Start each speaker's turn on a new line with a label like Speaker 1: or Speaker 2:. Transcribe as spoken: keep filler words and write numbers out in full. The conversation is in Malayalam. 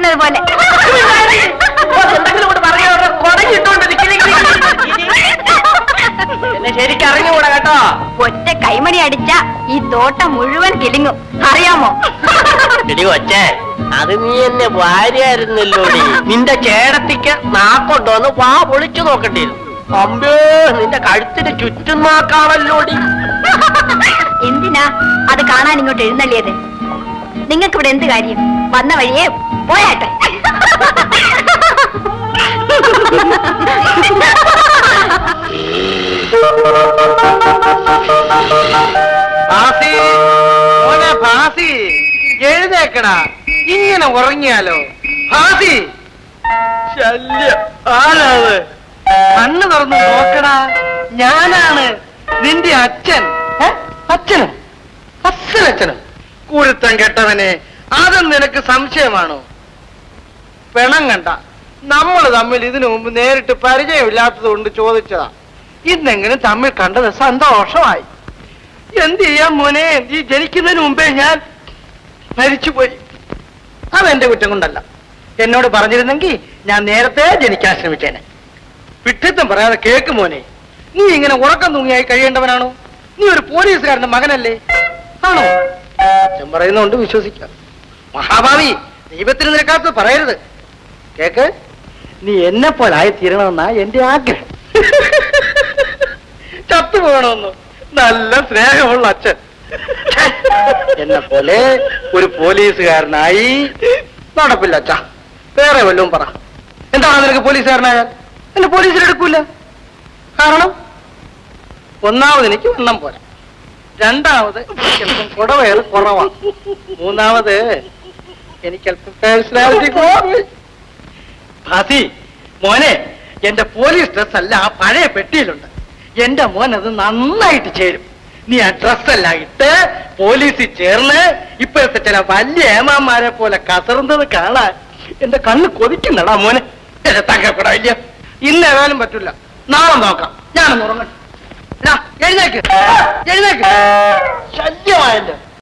Speaker 1: ഇരിക്കുന്നത് പോലെ.
Speaker 2: എന്നെ ശരിക്കും അറിഞ്ഞുകൂടാ കേട്ടോ.
Speaker 1: ഒറ്റ കൈമണി അടിച്ച ഈ തോട്ടം മുഴുവൻ കിളിങ്ങും, അറിയാമോ?
Speaker 2: എടി കൊച്ചേ, അത് നീ എന്നെ ഭാര്യയായിരുന്നല്ലോടി. നിന്റെ ചേടത്തിക്ക് നാക്കൊണ്ടോന്ന് വാ പൊളിച്ചു നോക്കണ്ടിരുന്നു. അമ്പേ, നിന്റെ കഴുത്തിന് ചുറ്റും നാക്കാണല്ലോടി.
Speaker 1: എന്തിനാ അത് കാണാൻ ഇങ്ങോട്ട് എഴുന്നള്ളിയത്? നിങ്ങൾക്ക് ഇവിടെ എന്ത് കാര്യം? വന്ന വഴിയെ പോയാട്ടെ.
Speaker 3: ഭാസി, മോനെ ഭാസി, എഴുന്നേക്കടാ. ഇങ്ങനെ ഉറങ്ങിയാലോ? ഭാസി, ശല്യം. ആരാത്? കണ്ണ് തുറന്ന് നോക്കടാ. ഞാനാണ് നിന്റെ അച്ഛൻ. അച്ഛനും അച്ഛനച്ഛനും കുരുത്തം കെട്ടവനെ. അതും നിനക്ക് സംശയമാണോ? പെണം കണ്ട നമ്മൾ തമ്മിൽ ഇതിനു മുമ്പ് നേരിട്ട് പരിചയമില്ലാത്തത് കൊണ്ട് ചോദിച്ചതാ. ഇന്നെങ്കിലും തമ്മിൽ കണ്ടത് സന്തോഷമായി. എന്ത് ചെയ്യാൻ മോനെ, ഈ ജനിക്കുന്നതിന് മുമ്പേ ഞാൻ മരിച്ചുപോയി. അതെന്റെ കുറ്റം കൊണ്ടല്ല. എന്നോട് പറഞ്ഞിരുന്നെങ്കിൽ ഞാൻ നേരത്തെ ജനിക്കാൻ ശ്രമിച്ചേനെ. വിട്ടിത്തം പറയാതെ കേക്ക് മോനെ. നീ ഇങ്ങനെ ഉറക്കം തൂങ്ങിയായി കഴിയേണ്ടവനാണോ? നീ ഒരു പോലീസുകാരന്റെ മകനല്ലേ? ആണോ? അച്ഛൻ പറയുന്നോണ്ട് വിശ്വസിക്കാം. മഹാഭാവി, ദൈവത്തിന് നിരക്കാത്തത് പറയരുത്. കേക്ക്, നീ എന്നെ പോലായി തീരണമെന്നാ എന്റെ ആഗ്രഹം. ചത്തുപോകണമെന്നു നല്ല സ്നേഹമുള്ള അച്ഛൻ. എന്നെ പോലെ ഒരു പോലീസുകാരനായി നടപ്പില്ല അച്ഛ. വേറെ വല്ലതും പറ. എന്താണ് നിനക്ക് പോലീസുകാരനായാൽ? എന്നെ പോലീസിലെടുക്കൂല. കാരണം ഒന്നാമത് എനിക്ക് വണ്ണം പോരാ, രണ്ടാമത് എനിക്കല്പം കുടവയൽ കുറവാ, മൂന്നാമത് എനിക്കല്പം പേഴ്സണാലിറ്റി കുറവ്. ഭാസി മോനെ, എന്റെ പോലീസ് ഡ്രസ് അല്ല ആ പഴയ പെട്ടിയിലുണ്ട്. എന്റെ മോൻ അത് നന്നായിട്ട് ചേരും. നീ ആ ഡ്രസ്സെല്ലാം ഇട്ട് പോലീസിൽ ചേർന്ന് ഇപ്പോഴത്തെ ചില വലിയ ഏമാന്മാരെ പോലെ കസറുന്നത് കാണാൻ എന്റെ കണ്ണ് കൊതിക്കുന്നടാ മോനെ. എന്നെ തങ്കപ്പെടാ ഇല്ല. ഇന്ന് ഏതായാലും പറ്റില്ല, നാളെ നോക്കാം. ഞാനൊന്ന് ഉറങ്ങട്ടെ. എഴുന്നേക്ക് എഴുന്നേക്ക്. ശല്യമായല്ലോ.